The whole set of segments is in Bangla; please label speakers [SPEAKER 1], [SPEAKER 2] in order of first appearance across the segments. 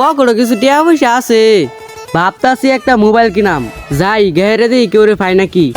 [SPEAKER 1] পকেটে কিছু টিয়া পয়সা আছে, ভাবতাছি একটা মোবাইল কিনাম, যাই গেরে দিই কেউ রে পাই নাকি।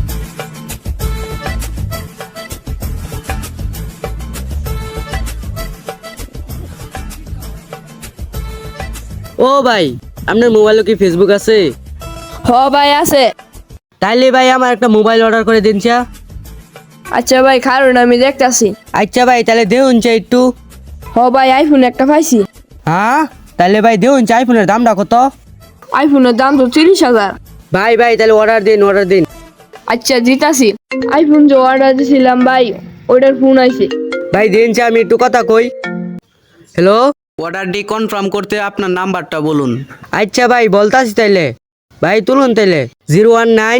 [SPEAKER 1] ও ভাই, আপনার মোবাইলে কি ফেসবুক আছে?
[SPEAKER 2] হ ভাই আছে।
[SPEAKER 1] তাইলে ভাই আমার একটা মোবাইল অর্ডার করে দিন চা।
[SPEAKER 2] আচ্ছা ভাই কারণ আমি দেখতাছি।
[SPEAKER 1] আচ্ছা ভাই, তাহলে দেউন চা একটু।
[SPEAKER 2] হ ভাই আইফোন একটা পাইছি।
[SPEAKER 1] হ্যাঁ, তাহলে ভাই দেউন চা। আইফোনের দামটা কত?
[SPEAKER 2] আইফোনের দাম তো 30,000।
[SPEAKER 1] ভাই ভাই তাহলে অর্ডার দিন, অর্ডার দিন।
[SPEAKER 2] আচ্ছা জিতাছি। আইফোন যে অর্ডার দিয়েছিলাম ভাই, ওইটার ফোন আইছে।
[SPEAKER 1] ভাই দিন চা, আমি একটু কথা কই। হ্যালো, অর্ডারটি কনফার্ম করতে আপনার নাম্বারটা বলুন। আচ্ছা ভাই বলতাছি তাইলে, ভাই তুলুন তাইলে 019।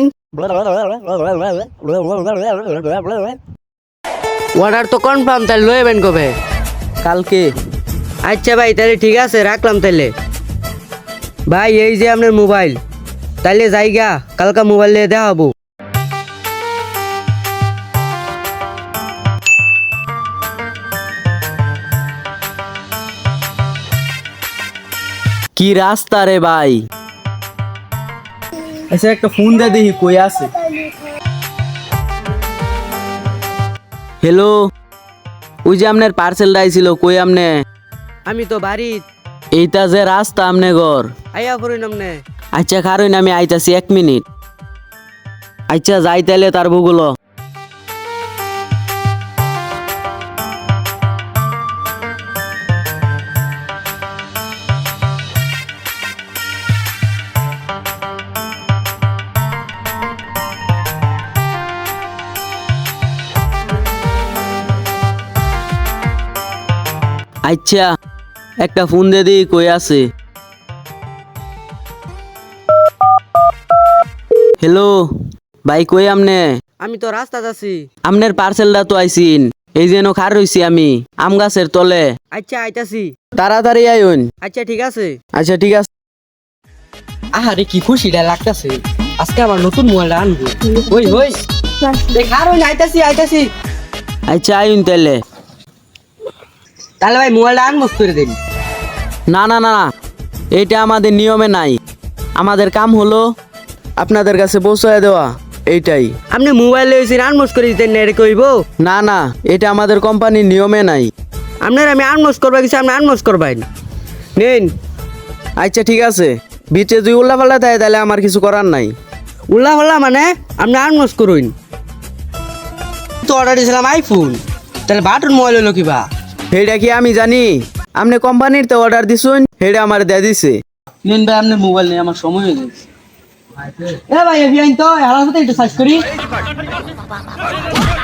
[SPEAKER 1] অর্ডার তো কনফার্ম, তাহলে লইবেন কবে? কালকে। আচ্ছা ভাই তাহলে ঠিক আছে, রাখলাম তাইলে। ভাই এই যে আপনার মোবাইল, তাইলে যাইগা, কালকা মোবাইল নিয়ে দেওয়া হবো।
[SPEAKER 3] কি রাস্তা রে ভাই? আচ্ছা একটা ফোন দে দেখি কই আছে। হ্যালো, ওই যে আপনার পার্সেলটা আইছিল, কই আমনে?
[SPEAKER 1] আমি তো বাড়ি।
[SPEAKER 3] এইটা যে রাস্তা আমনে ঘর।
[SPEAKER 1] আইয়া করুন আমনে।
[SPEAKER 3] আচ্ছা খারুন, আমি আইতাছি 1 মিনিট। আচ্ছা যাই তাইলে তার ভূগোল। আচ্ছা একটা ফোন দে দিই কই আছে। হ্যালো ভাই, কই আমনে?
[SPEAKER 1] আমি তো রাস্তাতে আছি।
[SPEAKER 3] আমনের পার্সেলটা তো আইছিন, এই যেন খার রইছি আমি আম গাছের তলে।
[SPEAKER 1] আচ্ছা আইতাছি।
[SPEAKER 3] তাড়াতাড়ি আইন।
[SPEAKER 1] আচ্ছা ঠিক আছে।
[SPEAKER 3] আচ্ছা ঠিক আছে।
[SPEAKER 1] আহারে কি খুশিটা লাগতাছে, আজকে আমার নতুন মোবাইলটা আনবো। ওই ওই দেখার ওই আইতাছি আইতাছি।
[SPEAKER 3] আচ্ছা আইন তাইলে।
[SPEAKER 1] তাহলে ভাই মোবাইলটা আনবো করে দিন।
[SPEAKER 3] না না না, এইটা আমাদের নিয়মে নাই। আমাদের কাম হলো আপনাদের কাছে পৌঁছায় দেওয়া, এইটাই।
[SPEAKER 1] আপনি মোবাইল লইছেন, আনমোস করে দিতেন না, এটা কইব?
[SPEAKER 3] না না, এটা আমাদের কোম্পানির নিয়মে নাই।
[SPEAKER 1] আপনার আমি আনমোস করবা কিছু, আপনি আনমোস করবেন নিন।
[SPEAKER 3] আচ্ছা ঠিক আছে, বিচে যদি উল্লা পাল্লা দেয় তাহলে আমার কিছু করার নাই।
[SPEAKER 1] উল্লা হল্লা মানে আপনি আনমোস করুন। তো অর্ডার দিয়েছিলাম আইফোন, তাহলে বাটন মোবাইল হলো কিবা?
[SPEAKER 3] সেইটা কি আমি জানি? আপনি কোম্পানির তো অর্ডার দিছুন, সেইটা আমার দিয়ে দিছে।
[SPEAKER 1] নিন ভাই আপনার মোবাইল নিয়ে, আমার সময় হয়ে যাচ্ছে। এ ভাই এভিয়াইন তো হালার সাথে একটু সার্চ করি।